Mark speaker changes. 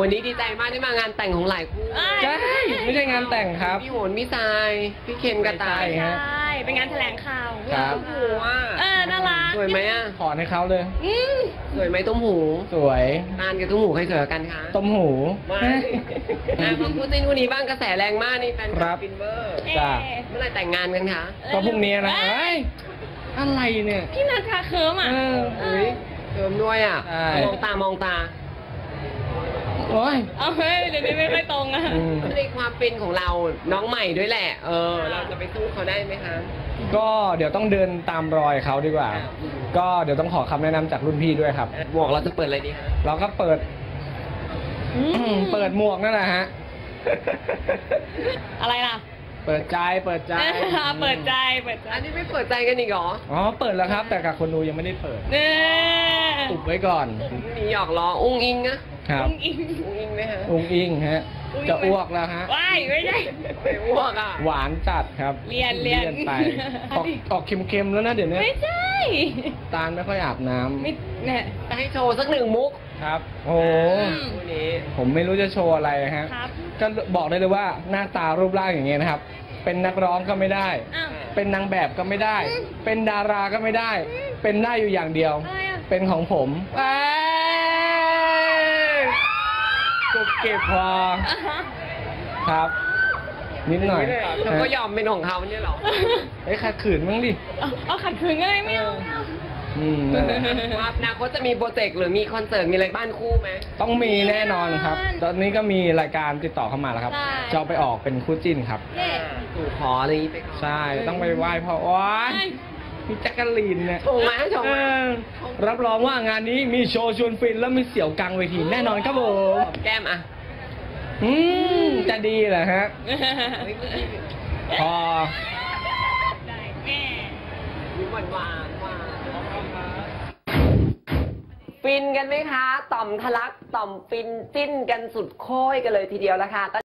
Speaker 1: วันนี้ดีใจมากที่มางานแต่งของหลายคู่
Speaker 2: ใช่ไม่ใช่งานแต่งครับ
Speaker 1: พี่โหนพี่ทรายพี่เคนกระต่าย
Speaker 2: ฮะ
Speaker 3: ใช่เป็นงานแถลงข่าว
Speaker 2: ครับ
Speaker 1: ตุ้มหูอ่ะ
Speaker 3: น่ารัก
Speaker 1: สวยไหมอ่ะ
Speaker 2: ขอให้เขาเลย
Speaker 1: สวยไหมตุ้มหู
Speaker 2: สวย
Speaker 1: นานกับตุ้มหูใครสวยกันคะ
Speaker 2: ต้มหู
Speaker 1: มาพูดในนู่นนี้บ้างกระแสแรงมากนี่แฟนคลับฟินเวอร์
Speaker 2: จ้า
Speaker 1: เมื่อไหร่แต่งงานกันคะ
Speaker 2: ก็พรุ่งนี้นะอะไรเนี่ย
Speaker 3: พี่นัทคะเคิร์มอ่ะ
Speaker 1: เคิร์มด้วยอ่ะมองตามองตา
Speaker 2: โอ้ย
Speaker 3: เอาเฮ้ยเดี๋ยวนี้ไม่ค่อยตรงอ่ะ
Speaker 1: ในความเป็นของเราน้องใหม่ด้วยแหละเราจะไปสู้เขาได้ไหมคะ
Speaker 2: ก็เดี๋ยวต้องเดินตามรอยเขาดีกว่าก็เดี๋ยวต้องขอคำแนะนำจากรุ่นพี่ด้วยครับ
Speaker 1: หมวกเราจะเปิดอะไรดีคะ
Speaker 2: เราก็เปิดหมวกนั่นแหละฮะ
Speaker 3: อะไรล่ะ
Speaker 2: เปิดใจ
Speaker 3: เปิดใจ
Speaker 1: อันนี้ไม่เปิดใจกันอีกเหรอ
Speaker 2: อ๋อเปิดแล้วครับแต่กับคนดูยังไม่ได้เปิดอุบไว้ก่อน
Speaker 1: มีหยอกล้ออุ้งอิงนะครับอุ้งอิงไหมฮะ
Speaker 2: อุ้งอิงฮะจะอ้วกแล้วฮะ
Speaker 3: ว้ายไม่ใช่
Speaker 1: อ้วกอ่ะ
Speaker 2: หวานจัดครับ
Speaker 3: เรียน
Speaker 2: ไปออกเค็มๆแล้วนะเดี๋ยวนี้
Speaker 3: ไม่ใช่
Speaker 2: ตาลไม่ค่อยอาบน้ำ
Speaker 3: ไม่เนี่ย
Speaker 1: จะให้โชว์สักหนึ่งมุก
Speaker 2: ครับโอ้
Speaker 1: วันนี้
Speaker 2: ผมไม่รู้จะโชว์อะไรฮะก็บอกได้เลยว่าหน้าตารูปร่างอย่างเงี้ยนะครับเป็นนักร้องก็ไม่ได้เป็นนางแบบก็ไม่ได้เป็นดาราก็ไม่ได้เป็นได้อยู่อย่างเดียวเป็นของผมก็เก็บพอครับนิดหน่อย
Speaker 1: เธอก็ยอมเป็นของเขาเนี่ยหรอ
Speaker 2: ขัดขืนมั้งดิ
Speaker 3: ขัดขืนก็ได้ไม่เอา
Speaker 1: ว่าอนาคตจะมีโปรเจกต์หรือมีคอนเสิร์ตมีอะไรบ้านคู่ไหม
Speaker 2: ต้องมีแน่นอนครับตอนนี้ก็มีรายการติดต่อเข้ามาแล้วครับจะไปออกเป็นคู่จิ้นครับ
Speaker 1: สู่ขออะไรนี้ไป
Speaker 2: ใช่ต้องไปไหว้พ่อว้ายมีแจ็คกะลีนเนี่ย
Speaker 1: ชมมา
Speaker 2: รับรองว่างานนี้มีโชว์ชวนฟินแล้วมีเสี่ยวกลางเวทีแน่นอนครับผม
Speaker 1: แก้มอ่ะ
Speaker 2: จะดีเหรอฮะพอ
Speaker 1: ฟินกันไหมคะต่อมทะลักต่อมฟินจิ้นกันสุดโค้ยกันเลยทีเดียวละค่ะ